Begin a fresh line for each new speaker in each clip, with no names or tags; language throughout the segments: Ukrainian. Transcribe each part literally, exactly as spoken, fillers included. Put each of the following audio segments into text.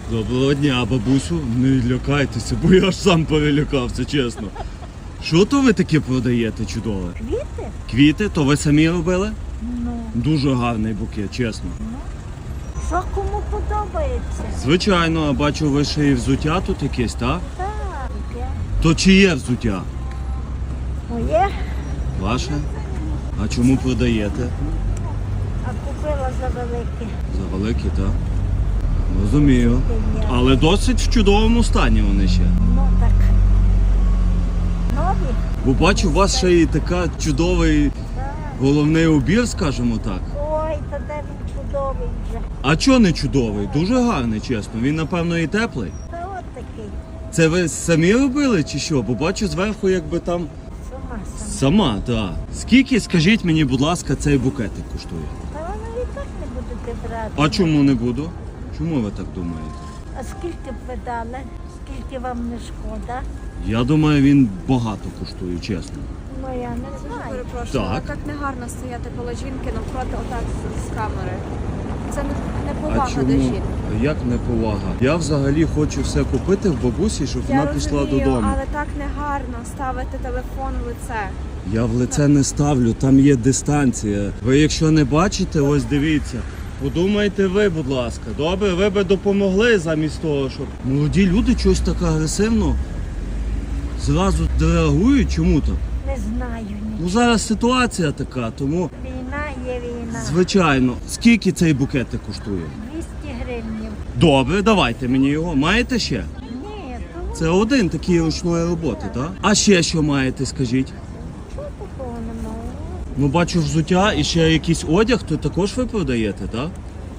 Доброго дня, бабусю. Не лякайтеся, бо я ж сам перелякався, чесно. Що то ви таке продаєте чудове?
Квіти?
Квіти? То ви самі робили?
Ну.
Дуже гарний букет, чесно.
Ну. Що кому подобається?
Звичайно, а бачу, ви ще і взуття тут якесь, так?
Так. Я.
То чиє взуття?
Моє,
Ваше? А чому продаєте?
а купила за велике.
За великі, так? Розумію. Але досить в чудовому стані вони ще.
Ну так. Нові?
Бо бачу, у вас ще і така чудовий
Так.
головний убір, скажімо так.
Ой, та де він чудовий вже.
А чого не чудовий? Дуже гарний, чесно. Він, напевно, і теплий.
Та от такий.
Це ви самі робили чи що? Бо бачу зверху, якби там
Сама сама.
сама, так. Скільки, скажіть мені, будь ласка, цей букетик коштує?
Та воно і так не будете брати.
А чому не буду? Чому ви так думаєте?
А скільки б ви дали? Скільки вам не шкода?
Я думаю, він багато коштує, чесно.
Ну я не знаю.
Перепрошую,
Так.
але так не гарно стояти коло жінки навпроти отак з, з камери. Це не, не
А
повага до
чому?
жінки.
Як не повага? Я взагалі хочу все купити в бабусі, щоб
Я
вона пішла
розумію,
додому.
але так не гарно ставити телефон в лице.
Я в лице не ставлю, там є дистанція. Ви якщо не бачите, ось дивіться. Подумайте ви, будь ласка. Добре, ви би допомогли замість того, щоб... Молоді люди щось так агресивно зразу реагують. Чому так?
Не знаю ні.
Ну зараз ситуація така, тому
Війна є війна.
звичайно. Скільки цей букетик коштує?
двісті гривень.
Добре, давайте мені його. Маєте ще?
Ні, то
Це один такий ручної роботи, так? А ще що маєте, скажіть?
чого такого немає?
Ну бачу взуття і ще якийсь одяг, то також ви продаєте, так?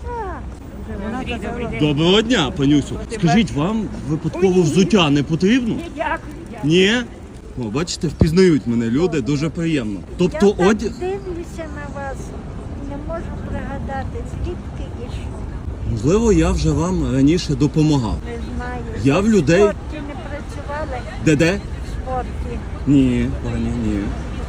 Так.
Доброго дня, панюсю. Скажіть, вам випадково взуття не потрібно?
Дякую.
Ні? О, бачите, впізнають мене люди, дуже приємно. Тобто
Я так
одяг...
дивлюся на вас, не можу пригадати, звідки і що.
Можливо, я вже вам раніше допомагав.
Не знаю.
Я в
Ви
людей-
В спорті не працювали?
Де-де?
В спорті.
Ні, пані, ні.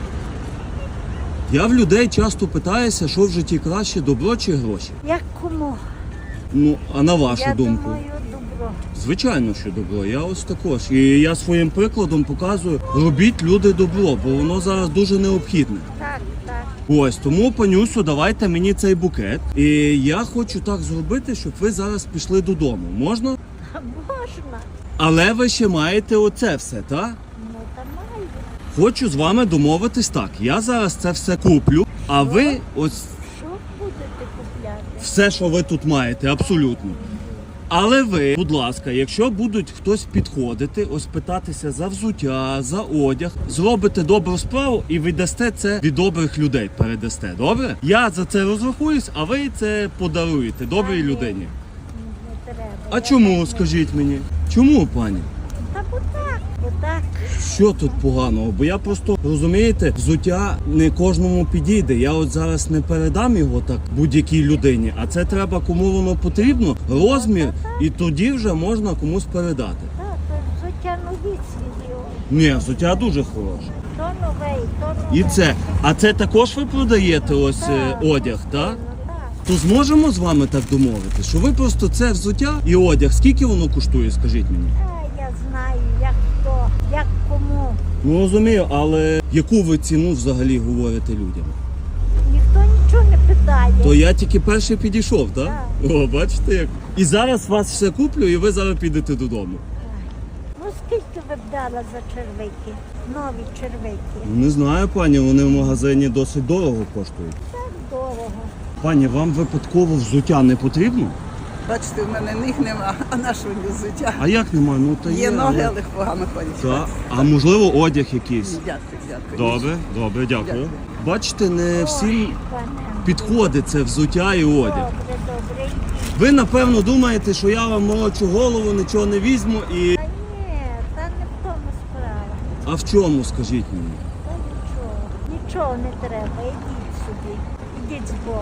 Я в людей часто питаюся, що в житті краще, добро чи гроші.
Як кому?
Ну, а на вашу
Я
думку?
думаю, добро.
Звичайно, що добро. Я ось також. І я своїм прикладом показую, робіть люди добро, бо воно зараз дуже необхідне.
Так, так.
Ось, тому, панюсю, давайте мені цей букет. І я хочу так зробити, щоб ви зараз пішли додому. Можна?
Можна.
Але ви ще маєте оце все, так?
Ну, та маю.
Хочу з вами домовитись так. Я зараз це все куплю, а ви ось
Що будете купляти?
все, що ви тут маєте, абсолютно. Але ви, будь ласка, якщо будуть хтось підходити, ось питатися за взуття, за одяг, зробите добру справу і віддасте це від добрих людей, передасте. Добре? Я за це розрахуюсь, а ви це подаруєте добрій людині.
Не треба.
А
Я
чому,
так не-
скажіть мені? Чому, пані?
Та бо так, бо так.
Що тут поганого? Бо я просто, розумієте, взуття не кожному підійде. Я от зараз не передам його так будь-якій людині, а це треба кому воно потрібно, розмір, і тоді вже можна комусь передати.
Так, то взуття нові свіжі.
Ні, взуття дуже хороше.
То новий, то новий.
І це. А це також ви продаєте ось е, одяг, так?
Ну, так.
То зможемо з вами так домовити, що ви просто це взуття і одяг, скільки воно коштує, скажіть мені?
А, я знаю, як хто, як кому.
Ну розумію, але яку ви ціну взагалі говорите людям?
Ніхто нічого не питає.
То я тільки перший підійшов, так?
Так.
О, бачите як. І зараз вас все куплю, і ви зараз підете додому.
Ну скільки ви б дала за червики? Нові червики.
Ну, не знаю, пані, вони в магазині досить дорого коштують.
Так дорого.
Пані, вам випадково взуття не потрібно?
Бачите, в мене ніг нема, а нашого не взуття.
А як немає? Ну та є.
Є ноги,
але-
але погано ходять.
Так. А можливо одяг якийсь?
Дякую, дякую.
Добре, добре, дякую.
Дякую.
Бачите, не всім
Ой, пане.
підходить це взуття і одяг.
Добре, добре.
Ви, напевно, думаєте, що я вам молочу голову, нічого не візьму і...
Та ні, та не в тому справа.
А в чому, скажіть мені?
Та нічого. Нічого не треба, ідіть собі. Ідіть з Богом.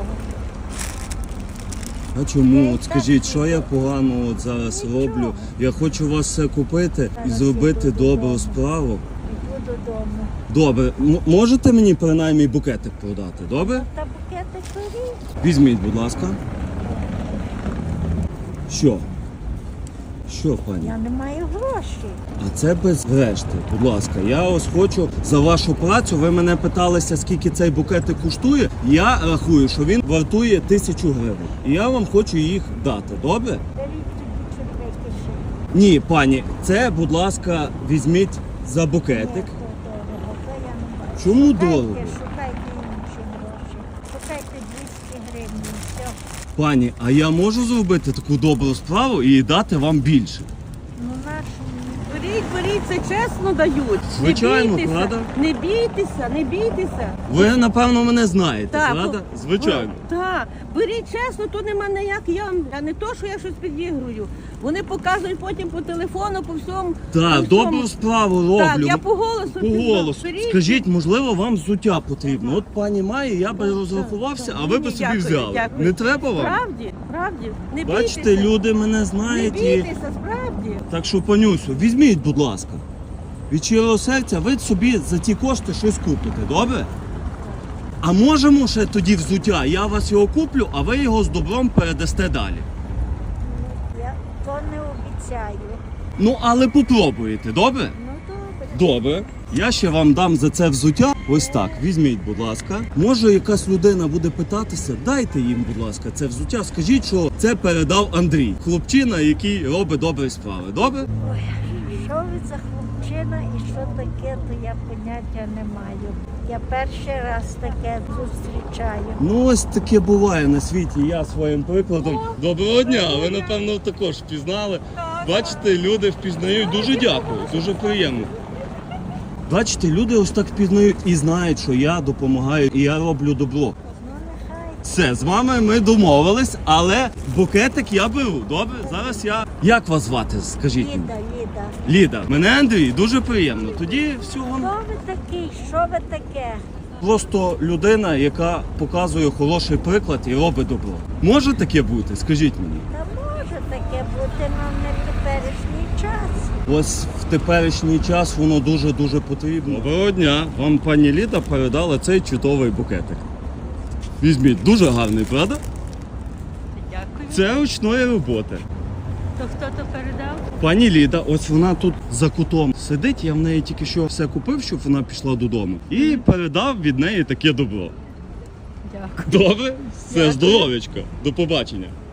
А чому? От скажіть, що я погано от зараз роблю? Я хочу вас все купити і зробити добру справу.
Іду додому.
Добре, М- можете мені принаймні букетик продати, добре?
Та букети корі.
Візьміть, будь ласка. Що? Що, пані?
Я не маю грошей.
А це без решти, будь ласка. Я ось хочу за вашу працю. Ви мене питалися, скільки цей букетик коштує. Я рахую, що він вартує тисячу гривень. І я вам хочу їх дати. Добре?
Беріть тоді червики ще.
Ні, пані, це, будь ласка, візьміть за
Ні,
букетик.
то дорого, то я не бачу.
Чому
Шукайте,
дорого?
Шукайте інші гроші. Шукайте двісті гривень, і все.
Пані, а я можу зробити таку добру справу і дати вам більше?
Ну нашу
Беріть, беріть, це чесно дають.
Звичайно,
не бійтеся,
правда?
Не бійтеся, не бійтеся.
Ви, напевно, мене знаєте,
Так,
правда?
бо-
Звичайно.
Так, беріть чесно, то нема ніяк я, а не то, що я щось підігрую. Вони показують потім по телефону, по всьому.
Так,
по всьому.
добру справу роблю.
Так, я по голосу
По
пізнав.
голосу.
Беріть.
Скажіть, можливо, вам взуття потрібно. От пані має, я би розрахувався,
так.
а ви
Ні,
би собі
дякую,
взяли.
дякую.
Не треба вам?
Справді, справді. Не
Бачите,
бійтеся.
люди мене
Не
знають і.
бійтеся, справді.
Так що, панюсю, візьміть, будь ласка. Від щирого серця ви собі за ті кошти щось купите, добре? А можемо ще тоді взуття, я вас його куплю, а ви його з добром передасте далі.
я то не обіцяю.
Ну, але попробуєте, добре?
Ну добре.
Добре. Я ще вам дам за це взуття. Ось так, візьміть, будь ласка. Може, якась людина буде питатися, дайте їм, будь ласка, це взуття. Скажіть, що це передав Андрій, хлопчина, який робить добрі справи. Добре?
Ой, що ви за хлопчина і що таке, то я поняття не маю. Я перший раз таке зустрічаю.
Ну, ось таке буває на світі. Я своїм прикладом. Доброго дня! Ви, напевно, також впізнали. Бачите, люди впізнають. Дуже дякую, дуже приємно. Бачите, люди ось так впізнають і знають, що я допомагаю і я роблю добро.
Ну нехай.
Все, з вами ми домовились, але букетик я беру. Добре? Зараз я. Як вас звати? Скажіть мені.
Ліда, Ліда.
Ліда. Мене Андрій, дуже приємно. Тоді всього.
Хто ви такий? Що ви таке?
Просто людина, яка показує хороший приклад і робить добро. Може таке бути? Скажіть мені.
Та може таке бути, але не в теперішній час.
Ось в теперішній час воно дуже-дуже потрібно. Доброго дня! Вам пані Ліда передала цей чудовий букетик. Візьміть, дуже гарний, правда?
Дякую.
Це ручної роботи.
То хто то передав?
Пані Ліда, ось вона тут за кутом сидить, я в неї тільки що все купив, щоб вона пішла додому. І передав від неї таке добро.
Дякую.
Добре? Все, здоров'ячка. До побачення.